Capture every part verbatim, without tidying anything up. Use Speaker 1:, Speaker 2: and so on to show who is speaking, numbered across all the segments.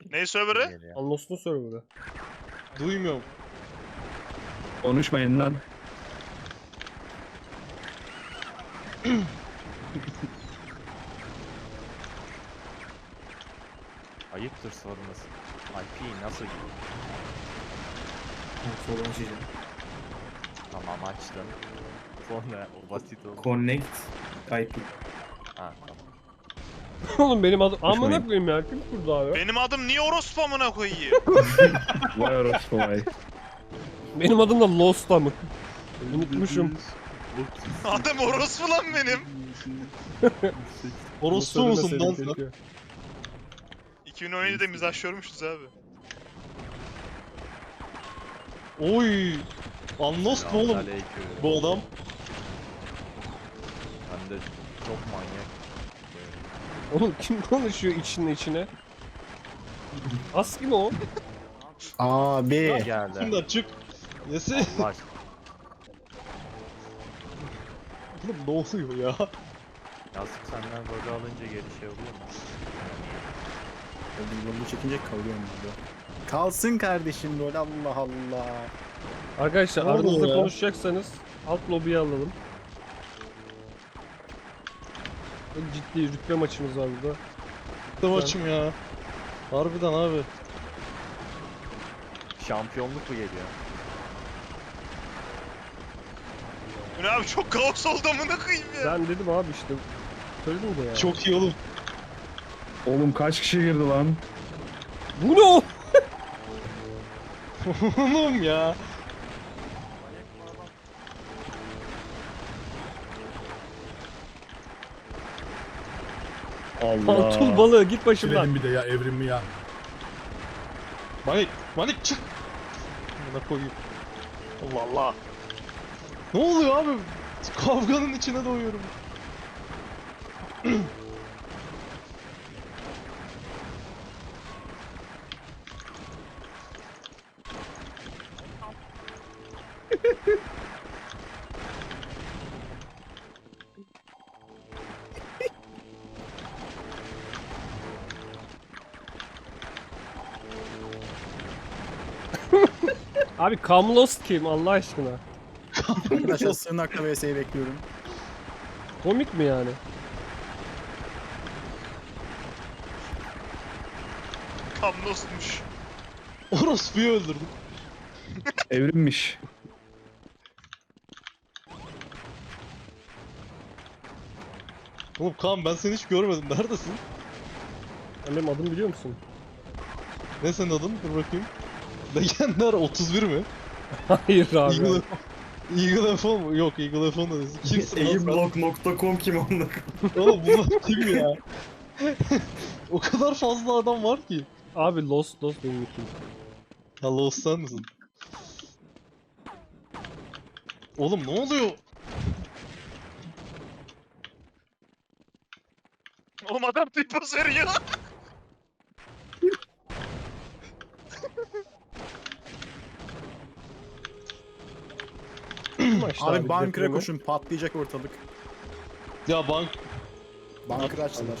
Speaker 1: Ne server'ı?
Speaker 2: Unlost'un server'ı.
Speaker 3: Duymuyorum.
Speaker 4: Konuşmayın lan.
Speaker 5: Ayıptır sorması. I P nasıl gidiyor?
Speaker 6: Soldan açacağım.
Speaker 5: Tamam açtım. Sonra o basit oldu.
Speaker 6: Connect I P.
Speaker 5: Ha tamam.
Speaker 2: Oğlum benim adım...
Speaker 4: Konuşmayın.
Speaker 2: Amına koyayım ya. Kim kurdu abi?
Speaker 1: Benim adım niye orospu amına koyayım?
Speaker 4: Vay orospu vay.
Speaker 2: Benim adım da Lost amık. Unutmuşum.
Speaker 1: Adım orospu lan benim.
Speaker 3: Orospu musun lan sen?
Speaker 1: iki bin on yedide mizah görmüşüz abi.
Speaker 3: Oy. Unlost mu oğlum
Speaker 5: Selamünaleyküm.
Speaker 3: bu adam?
Speaker 5: Ben de çok manyak.
Speaker 2: Oğlum kim konuşuyor içine içine? Aski mi o?
Speaker 7: Abi.
Speaker 5: Geldi.
Speaker 3: Şimdi açık. Yesi.
Speaker 5: Allah aşkına.
Speaker 3: Oğlum ne oluyor ya?
Speaker 5: Yazık senden golü alınca geri şey oluyor mu?
Speaker 7: Bunu çekince kalıyorum burada. Kalsın kardeşim rol, Allah Allah.
Speaker 2: Arkadaşlar
Speaker 3: Ne oldu
Speaker 2: aranızda
Speaker 3: ya?
Speaker 2: konuşacaksanız alt lobiye alalım. Çok ciddi rütbe maçımız var burada.
Speaker 3: Bitti maçım ya. Harbiden abi.
Speaker 5: Şampiyonluk mu geliyor?
Speaker 1: Bu ne abi çok kaos oldu amına koyayım ya.
Speaker 2: Ben dedim abi işte. Söyledim de ya.
Speaker 3: Çok iyi oğlum.
Speaker 4: Oğlum kaç kişi girdi lan?
Speaker 2: Bu ne o?
Speaker 3: Oğlum ya.
Speaker 4: Allah.
Speaker 2: Pantul balığı git başımdan.
Speaker 8: Kiledim bir de ya evrim ya.
Speaker 3: Manik. Manik çık. Buna koyayım. Allah Allah. Ne oluyor abi? Kavganın içine doğuyorum.
Speaker 2: Abi Kamlost kim Allah aşkına?
Speaker 7: Arkadaşlar sığınakla V S'yi bekliyorum.
Speaker 2: Komik mi yani?
Speaker 1: Kamlosmuş.
Speaker 3: Orospu'yu öldürdüm.
Speaker 4: Evrimmiş.
Speaker 3: Oğlum Kaan ben seni hiç görmedim. Neredesin?
Speaker 2: Sen benim adımı biliyor musun?
Speaker 3: Ne senin adın? Dur bakayım. Legendar otuz bir mi?
Speaker 2: Hayır abi.
Speaker 3: Eagle, Eagle F on mu? Yok Eagle F on da değil. Kimsin lan sen?
Speaker 6: Aimblock nokta com kim onlar?
Speaker 3: Oğlum bunlar kim ya? O kadar fazla adam var ki.
Speaker 2: Abi Lost Lost benim için.
Speaker 3: Ya Lost sen misin? Oğlum ne oluyor?
Speaker 1: Oğlum adam tipos veriyor.
Speaker 2: Maçta
Speaker 7: Abi bunker'a
Speaker 2: depremi.
Speaker 7: koşun, patlayacak ortalık.
Speaker 3: Ya bank...
Speaker 7: Bunker açtılar.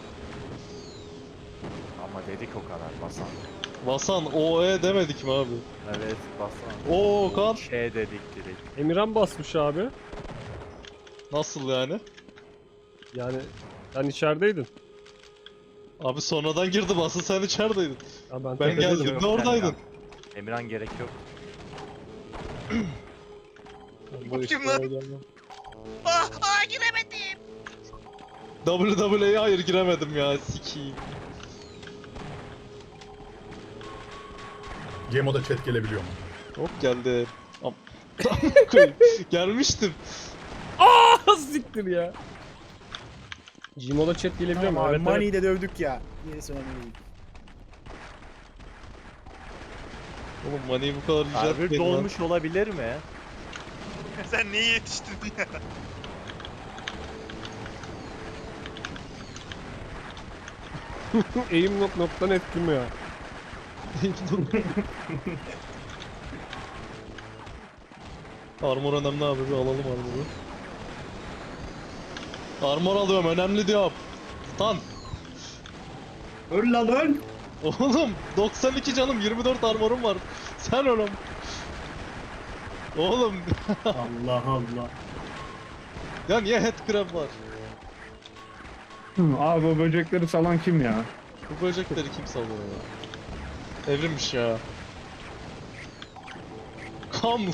Speaker 5: Ama dedik o kadar basan.
Speaker 3: Basan O E demedik mi abi?
Speaker 5: Evet basan.
Speaker 3: Oo Kaan.
Speaker 5: Şey dedik direkt.
Speaker 2: Emirhan basmış abi.
Speaker 3: Nasıl yani?
Speaker 2: Yani sen içerideydin.
Speaker 3: Abi sonradan girdi basın sen içerideydin.
Speaker 2: Ya ben,
Speaker 3: Ben
Speaker 2: tepedeydim.
Speaker 3: geldiğimde oradaydın.
Speaker 5: Emirhan gerek yok.
Speaker 3: Bu
Speaker 1: kim
Speaker 3: işte
Speaker 1: lan?
Speaker 3: oraya gelmem.
Speaker 1: Ah ah giremedim.
Speaker 3: W W E'ye hayır giremedim ya sikiyim.
Speaker 8: Gemo'da chat gelebiliyor mu?
Speaker 3: Hop geldi. Am koyayım. Gelmiştim.
Speaker 2: Siktir ya. Gmo'da chat gelebiliyor mu?
Speaker 7: Tamam abi,
Speaker 2: Evet, evet.
Speaker 7: Money'i de dövdük ya. Gerisi önemli değil.
Speaker 3: Oğlum Money'i bu kadar
Speaker 5: Server
Speaker 3: yüceltmeyin lan.
Speaker 5: dolmuş olabilir mi?
Speaker 1: Sen niye yetiştin ya?
Speaker 2: Aim nok noktan etkim ya.
Speaker 3: Armor önemli abi, bir alalım armoru. Armor alıyorum, önemli diyorum. Tan.
Speaker 6: Öl lan öl.
Speaker 3: Oğlum doksan iki canım, yirmi dört armorum var. Sen oğlum. Oğlum
Speaker 6: Allah Allah.
Speaker 3: ya niye headcrab var?
Speaker 4: Hı, Abi o böcekleri salan kim ya?
Speaker 3: Bu böcekleri kim salıyor ya? Evrimmiş ya. Kamlus.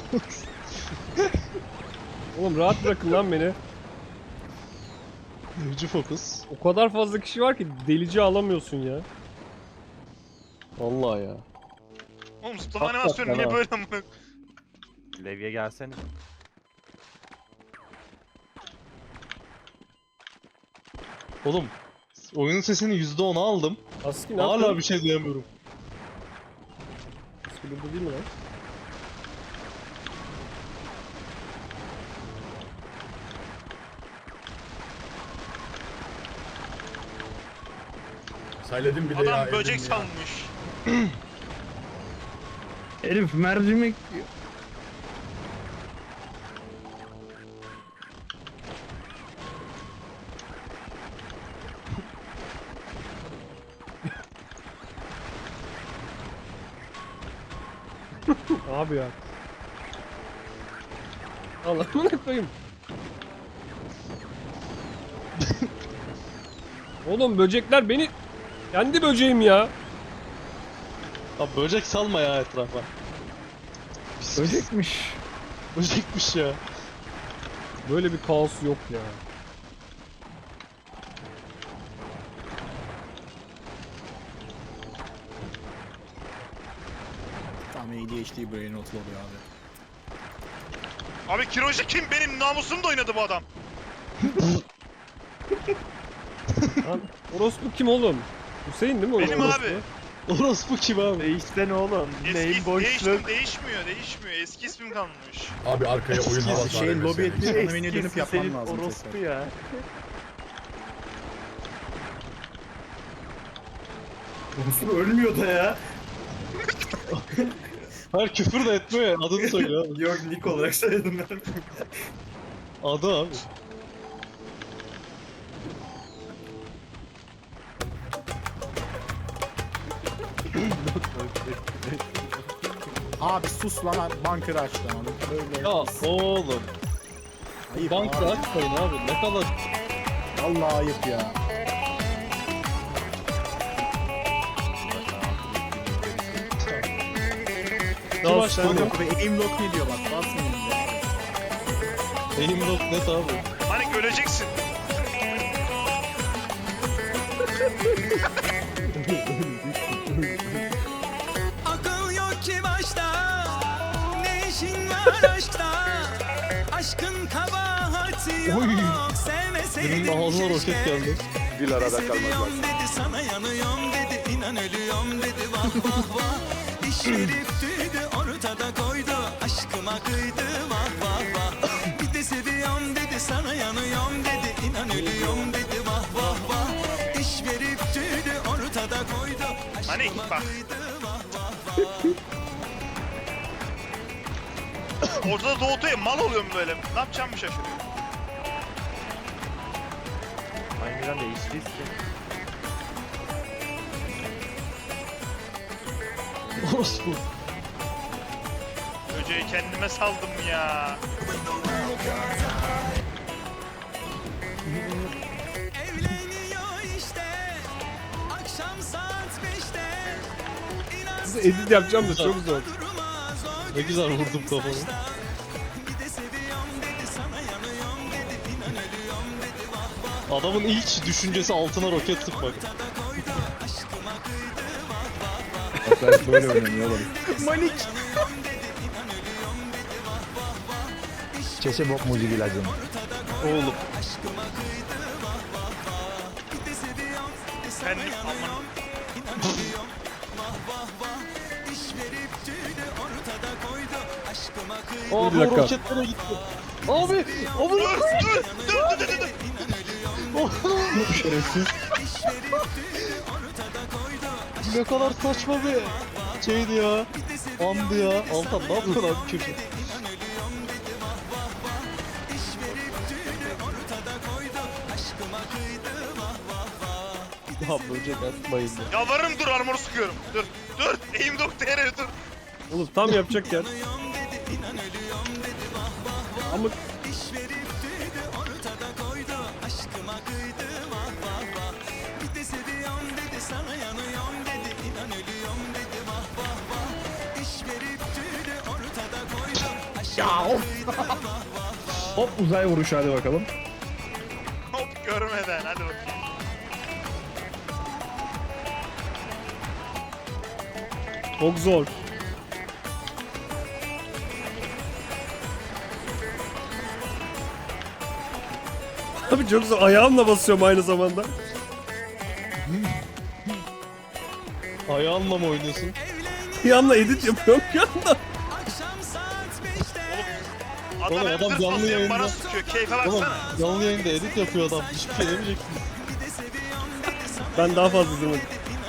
Speaker 2: Oğlum rahat bırakın lan beni.
Speaker 3: Hücü fokus.
Speaker 2: O kadar fazla kişi var ki delici alamıyorsun ya.
Speaker 3: Vallahi ya.
Speaker 1: Oğlum zıplama
Speaker 3: Hakikaten
Speaker 1: animasyonu niye
Speaker 3: ha.
Speaker 1: böyle amına?
Speaker 5: Levye gelsene.
Speaker 3: Oğlum oyunun sesini yüzde on aldım.
Speaker 2: Aski ne
Speaker 3: Hala
Speaker 2: yapıyorsun?
Speaker 3: bir şey diyemiyorum.
Speaker 2: Aski burada değil mi lan?
Speaker 8: Sayledim bile ya.
Speaker 1: Adam böcek
Speaker 8: Evrim ya.
Speaker 1: salmış.
Speaker 4: Herif mercimek
Speaker 2: Abi ya. Allah'ını koyayım. Oğlum böcekler beni... Kendi böceğim ya.
Speaker 3: Abi böcek salma ya etrafa. Pis pis.
Speaker 4: böcekmiş.
Speaker 3: Böcekmiş ya.
Speaker 2: Böyle bir kaos yok ya.
Speaker 7: Tam A D H D brain rot oluyor abi.
Speaker 1: Abi Kiroji kim? Benim namusumda oynadı bu adam.
Speaker 2: Lan orospu kim oğlum? Hüseyin değil mi o?
Speaker 1: Benim
Speaker 2: orospu?
Speaker 1: abi.
Speaker 3: Orospu kim abi?
Speaker 5: Değişsene oğlum.
Speaker 1: Eski
Speaker 5: Neyin
Speaker 1: değiştim,
Speaker 5: boşluk?
Speaker 1: değişmiyor, değişmiyor. Eski ismim kalmış.
Speaker 8: Abi arkaya oyun havası
Speaker 7: Şeyin lobi ettiği
Speaker 8: senin.
Speaker 7: ana menüye dönüp
Speaker 5: Eskisi
Speaker 7: yapman
Speaker 5: senin
Speaker 7: lazım
Speaker 5: orospu
Speaker 7: tekrar.
Speaker 5: ya.
Speaker 6: Unsur ölmüyor da ya.
Speaker 3: Hayır küfür de etmiyor ya. Adını söylüyor abi.
Speaker 6: Yok nick olarak söyledim ben.
Speaker 3: Adı abi.
Speaker 7: Abi sus lan abi, bunker açtı abi. Böyle.
Speaker 3: Ya oğlum.
Speaker 7: Ayıp
Speaker 3: Banka
Speaker 7: abi.
Speaker 3: açmayın abi. Ne kadar...
Speaker 7: Vallahi ayıp ya.
Speaker 3: Kim
Speaker 2: Ya
Speaker 3: açtı
Speaker 2: sen
Speaker 3: onu?
Speaker 2: de-
Speaker 7: Abi aim lock ne diyor bak, basmayın ya.
Speaker 3: Aim lock net abi.
Speaker 1: Hani öleceksin.
Speaker 9: Akıl yok ki başta, ne işin var aşkta? Aşkın kabahati yok, sevmeseydin
Speaker 3: Benim ağzıma roket
Speaker 9: keşke.
Speaker 3: geldi.
Speaker 9: Bir arada kalmaz. Dedi sana yanıyorum dedi, inan ölüyorum dedi, vah vah vah. İş herifti ortada koydu, aşkıma kıydı, vah vah vah. Bir de seviyorum dedi, sana yanıyorum dedi, inan ölüyorum dedi, vah vah vah. İş veripti ortada koydu,
Speaker 1: Hani
Speaker 9: aşkıma
Speaker 1: bak.
Speaker 9: kıydı, vah vah vah.
Speaker 1: Ortada doğutuya mal oluyorum böyle. Ne yapacağımı şaşırıyorum.
Speaker 5: Aynen değiştiyse.
Speaker 3: Orospu.
Speaker 1: Böceği kendime saldım ya.
Speaker 9: Evleniyor işte, akşam saat beşte.
Speaker 2: Size edit yapacağım da çok zor.
Speaker 3: Ne güzel vurdum kafamı.
Speaker 9: Bir de seviyorum dedi, sana yanıyorum dedi, inan ölüyorum dedi, vah vah.
Speaker 3: Adamın ilk düşüncesi altına roket sıkmak.
Speaker 9: Ortada koydu, aşkıma kıydı, vah vah vah.
Speaker 4: Sen böyle oynanıyor oğlum.
Speaker 9: Yanıyorum dedi, inan ölüyorum dedi, vah vah vah. İş
Speaker 7: Çeşe bok mucik ilacım.
Speaker 3: Oğlum.
Speaker 9: aşkıma kıydı, vah vah vah. Bir de seviyorum dedi, sana
Speaker 1: Kendim aman.
Speaker 9: yanıyorum, inan ölüyorum, vah vah vah. İş verip tüydü ortada koydu, aşkıma kıydı.
Speaker 3: Abi
Speaker 2: Bir dakika.
Speaker 3: o roketlere gitti. Abi! Abi!
Speaker 1: Dur, dur, dur, dur, dur, dur.
Speaker 3: Ne kadar saçma bir şeydi ya. Andı ya. Altan ne yapıyorsun abi köşe? Abi böcek atmayın ya.
Speaker 1: Yalvarırım dur armor sıkıyorum. Dur. Dur. Eğim doktor yere dur.
Speaker 2: Oğlum tam yapacakken. Ama
Speaker 4: Hop uzay vuruşu hadi bakalım.
Speaker 1: Hop görmeden hadi bakayım.
Speaker 2: çok zor. Abi çok zor. Ayağımla basıyorum aynı zamanda.
Speaker 3: Ayağınla mı oynuyorsun?
Speaker 2: Ayağımla edit yapıyorum bir anda.
Speaker 1: Adam,
Speaker 3: Oğlum,
Speaker 1: hem
Speaker 3: adam
Speaker 1: zırt
Speaker 3: canlı
Speaker 1: basıyor, hem
Speaker 3: yayında.
Speaker 1: bana sıkıyor. Keyfe
Speaker 3: Oğlum
Speaker 1: baksana.
Speaker 3: canlı yayında edit yapıyor adam. Hiçbir şey demeyeceksin.
Speaker 2: Ben daha fazla izlemedim.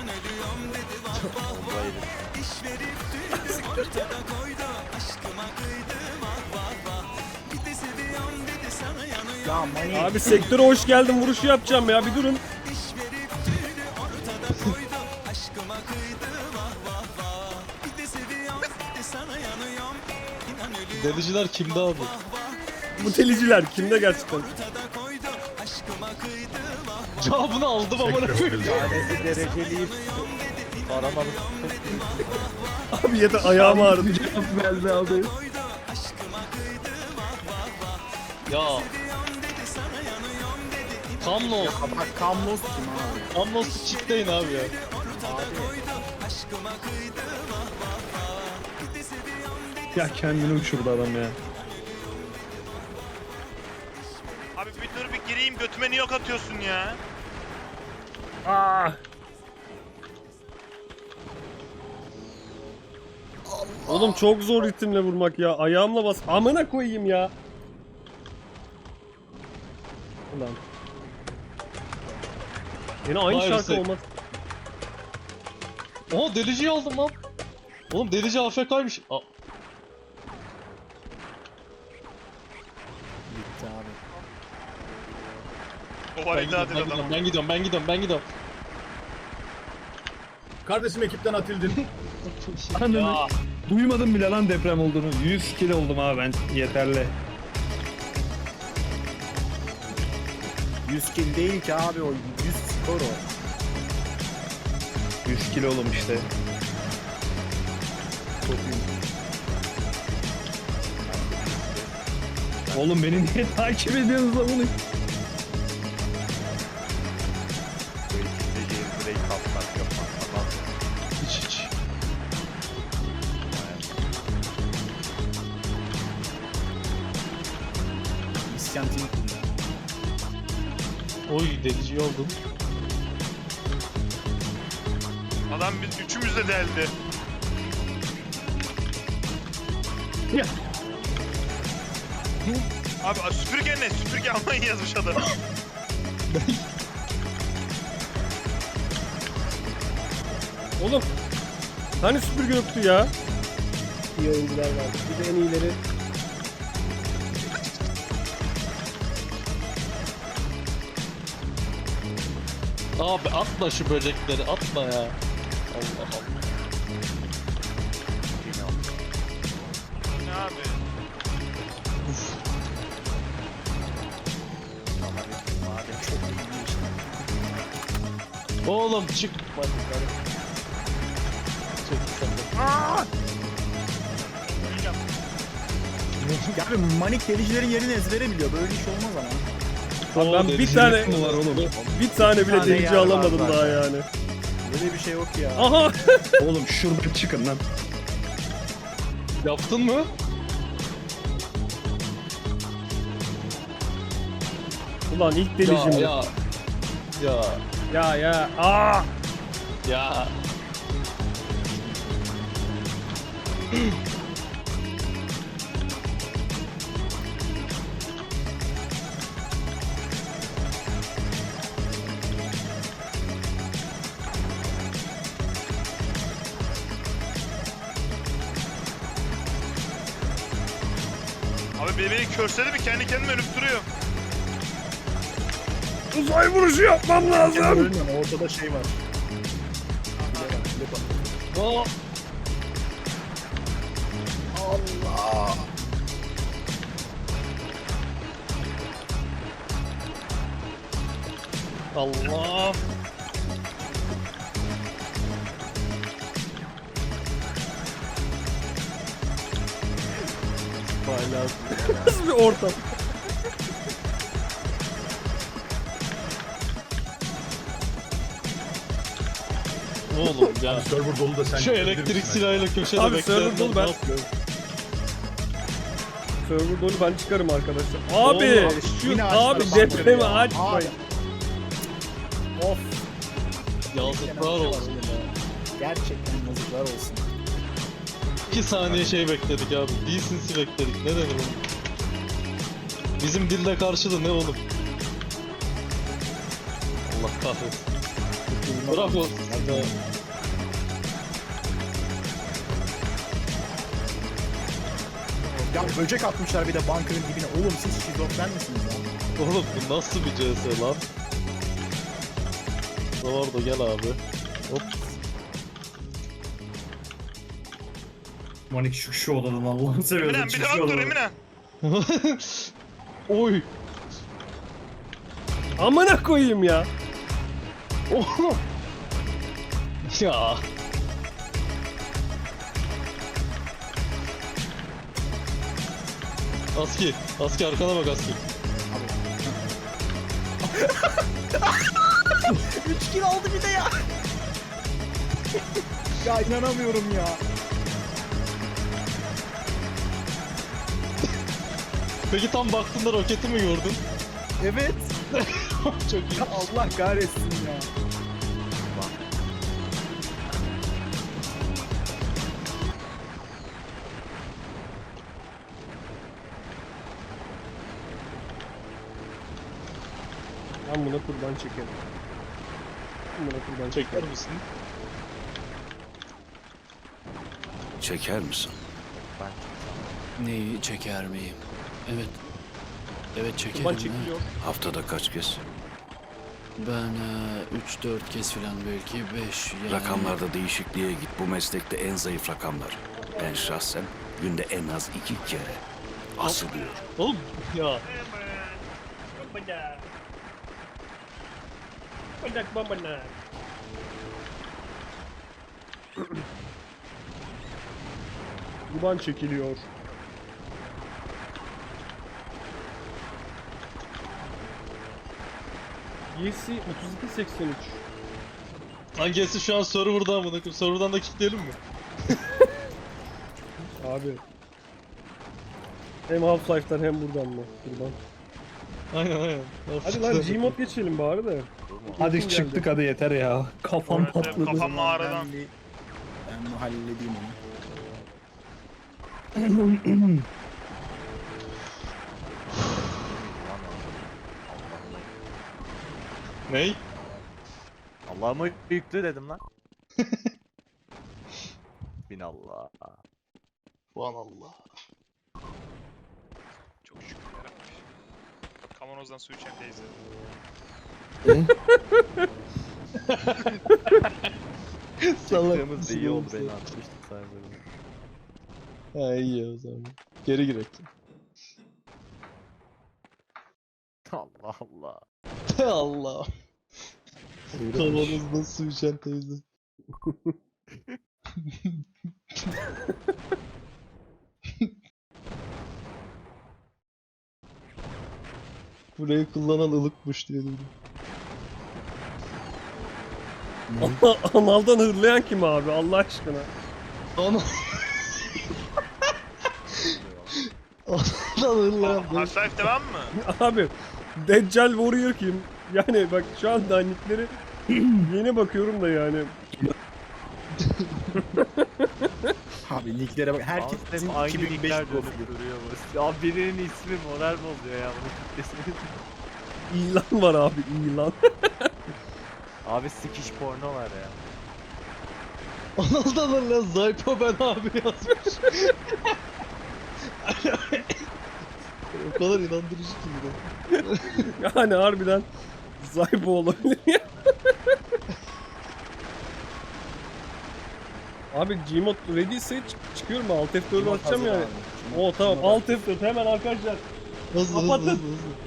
Speaker 7: Ya Mani.
Speaker 2: Abi sektöre hoş geldin vuruşu yapacağım ya bir durun.
Speaker 3: Deliciler kimde abi?
Speaker 2: Bu teliciler kimde gerçekten?
Speaker 3: Cevabını aldım amına koyayım.
Speaker 7: Tanesi dereceli.
Speaker 3: Aramadım.
Speaker 2: Abi yeter ayağım ağrıdı.
Speaker 4: Geldi aldı.
Speaker 3: Ya. Kamlos.
Speaker 7: Ya bak Kamlos kim abi?
Speaker 3: Kamlos'u çiftleyin abi ya.
Speaker 4: Ya kendini uçurdu adam ya.
Speaker 1: Abi bir dur bir gireyim götüme niye ok atıyorsun ya?
Speaker 2: Oğlum çok zor ritimle vurmak ya. Ayağımla bas. Amına koyayım ya. Ulan. Yine aynı
Speaker 3: Vay
Speaker 2: şarkı
Speaker 3: be.
Speaker 2: olmaz.
Speaker 3: Oha deliciyi aldım lan. Oğlum delici A F K'ymış. Aa,
Speaker 7: Bitti abi.
Speaker 1: O
Speaker 3: ben
Speaker 1: var
Speaker 3: gidiyorum,
Speaker 1: iddia
Speaker 3: ben
Speaker 1: edin
Speaker 3: gidiyorum,
Speaker 1: adamı.
Speaker 3: ben gidiyorum, ben gidiyorum, ben gidiyorum.
Speaker 8: Kardeşim ekipten atıldın.
Speaker 4: Ananı. Duymadım bile lan deprem olduğunu. yüz kilo oldum abi ben. Yeterli.
Speaker 7: yüz kill değil ki abi o. yüz skor o.
Speaker 4: yüz kilo oldum işte. Oğlum beni niye takip ediyorsunuz lan bunu?
Speaker 3: Hiç hiç.
Speaker 7: İsyan team kurdu.
Speaker 3: Oy deliciyi aldım.
Speaker 1: Adam biz üçümüz de deldi.
Speaker 4: Ya.
Speaker 1: Abi süpürge ne? Süpürge almayın yazmış adam.
Speaker 2: Oğlum. Hani süpürge yoktu ya? İyi oyuncular var. Bir de en iyileri.
Speaker 3: Abi atma şu böcekleri, atma ya. Allah Allah.
Speaker 1: Ne abi?
Speaker 3: Oğlum çık. Hadi, hadi. Çek sen de.
Speaker 7: Ya abi Manik delicilerin yerini ezbere biliyor. Böyle iş olmaz ama.
Speaker 2: Abi
Speaker 3: Oo,
Speaker 2: ben bir
Speaker 3: delicilik
Speaker 2: tane
Speaker 4: mi var oğlum?
Speaker 2: bir tane bile
Speaker 7: Bir tane
Speaker 2: delici
Speaker 7: yer var
Speaker 2: alamadım
Speaker 7: zaten.
Speaker 2: daha yani.
Speaker 7: Böyle bir şey yok ya.
Speaker 2: Aha.
Speaker 4: Oğlum şuradan çıkın lan.
Speaker 3: Yaptın mı?
Speaker 2: Ulan ilk delicim.
Speaker 3: Ya
Speaker 2: Ya
Speaker 3: ya.
Speaker 2: ya.
Speaker 3: Ya.
Speaker 2: ya. Aa.
Speaker 3: Ya.
Speaker 1: Abi beni, beni körseledi mi kendi kendime ölüp duruyor.
Speaker 2: Uzay vuruşu yapmam lazım.
Speaker 7: Ölmem, ortada şey var. Bile bak, bile bak.
Speaker 2: Aa, Allah. Nasıl bir ortam?
Speaker 3: Oğlum ya.
Speaker 8: Server dolu da sen
Speaker 3: Şu
Speaker 8: gidebilir
Speaker 3: elektrik
Speaker 8: misin
Speaker 3: silahıyla köşede
Speaker 2: Abi,
Speaker 3: bekleyenler
Speaker 2: server dolu,
Speaker 3: ne
Speaker 2: ben-
Speaker 3: yapıyor?
Speaker 2: Server dolu, ben çıkarım arkadaşlar. Abi
Speaker 7: Oğlum,
Speaker 2: şu
Speaker 7: yine
Speaker 2: abi
Speaker 7: açtılar
Speaker 2: depremi
Speaker 7: ya.
Speaker 2: açmayın.
Speaker 7: Of.
Speaker 3: Yazıklar olsun ya.
Speaker 7: Gerçekten yazıklar olsun.
Speaker 3: İki saniye şey bekledik abi. Decency bekledik. Ne denir oğlum? Bizim dilde karşılığı ne oğlum? Allah kahretsin. Bravo. Ya.
Speaker 7: Ya böcek atmışlar bir de bunker'ın dibine. Oğlum siz şizofren misiniz ya?
Speaker 3: Oğlum bu nasıl bir C S lan? Zavardo gel abi. Hop.
Speaker 6: Manik şu şu odadan Allah'ını seviyorsun.
Speaker 1: Emine bir
Speaker 6: çık
Speaker 1: daha
Speaker 6: şu
Speaker 1: dur
Speaker 6: odadan.
Speaker 1: Emine.
Speaker 3: Oy.
Speaker 2: Amına koyayım ya.
Speaker 3: Oğlum. Ya. Aski. Aski arkana bak Aski.
Speaker 7: üç kill aldı bir de ya. Ya inanamıyorum ya.
Speaker 3: Peki tam baktığında roketi mi gördün?
Speaker 7: Evet.
Speaker 3: Çok iyi.
Speaker 7: Ya Allah kahretsin ya.
Speaker 2: Ben buna kurban çekerim. Ben buna kurban
Speaker 3: Çeker
Speaker 2: çekerim.
Speaker 3: misin?
Speaker 10: Çeker misin?
Speaker 9: Neyi çeker miyim? Evet. Evet çekerim.
Speaker 2: Kurban
Speaker 9: ha.
Speaker 2: çekiliyor.
Speaker 10: Haftada kaç kez?
Speaker 9: Ben üç dört kez falan belki beş yani.
Speaker 10: Rakamlarda değişikliğe git. Bu meslekte en zayıf rakamlar. Ben şahsen günde en az iki kere asılıyorum.
Speaker 3: Oğlum ya.
Speaker 2: Bırak babana. Kurban çekiliyor. Yesi otuz iki seksen üç.
Speaker 3: Hangisi şu an server'dan mı? Bakın server'dan da kilitleyelim mi?
Speaker 2: Abi. Hem Half-Life'dan hem buradan mı? Kurban.
Speaker 3: Aynen aynen.
Speaker 2: Hadi lan Gmod geçelim bari de.
Speaker 4: Hadi
Speaker 2: Uykum
Speaker 4: çıktık
Speaker 2: geldi.
Speaker 4: hadi yeter ya. Kafam
Speaker 1: Evet, evet,
Speaker 4: patladı.
Speaker 1: kafam mağaradan.
Speaker 7: Ben bir... Ben bunu halledeyim onu.
Speaker 3: Ney?
Speaker 5: Allah'ıma yüklü dedim lan. Bin Allah.
Speaker 3: Aman Allah.
Speaker 1: Çok şükür yarabbim. Kavanozdan su içen teyze.
Speaker 5: Çıktığımız da iyi oldu beni atmıştık sayılır.
Speaker 3: Ha iyi ya o zaman. Geri girek.
Speaker 5: Allah Allah.
Speaker 3: Allah. Kavanozda su içen teyze. Burayı kullanan ılıkmış diye duydum.
Speaker 2: Analdan hırlayan kim abi Allah aşkına?
Speaker 3: Ana. Anadan hırlayan.
Speaker 1: Half-Life devam mı?
Speaker 2: Abi Deccal Warrior kim? Yani bak şu anda nickleri yeni bakıyorum da yani.
Speaker 7: Abi nicklere bak. Herkes
Speaker 5: Herkes
Speaker 7: bizim
Speaker 5: aynı
Speaker 7: iki bin beş
Speaker 5: linkler
Speaker 7: profili.
Speaker 5: dönüp duruyor bu. Ya birinin ismi moral bozuyor ya bunu kitlesiniz.
Speaker 2: İlan var abi ilan.
Speaker 5: Abi sikiş porno var ya.
Speaker 3: Analdan hırlayan Zaypo ben abi yazmış. O kadar inandırıcı ki bu da.
Speaker 2: Yani harbiden Zaybo olabilir ya. Abi Gmod ready ise çık- çıkıyorum Alt F dört'ü atacağım yani. O tamam Alt F dört hemen arkadaşlar.
Speaker 3: Hızlı hızlı
Speaker 2: Kapatın.
Speaker 3: hızlı hızlı.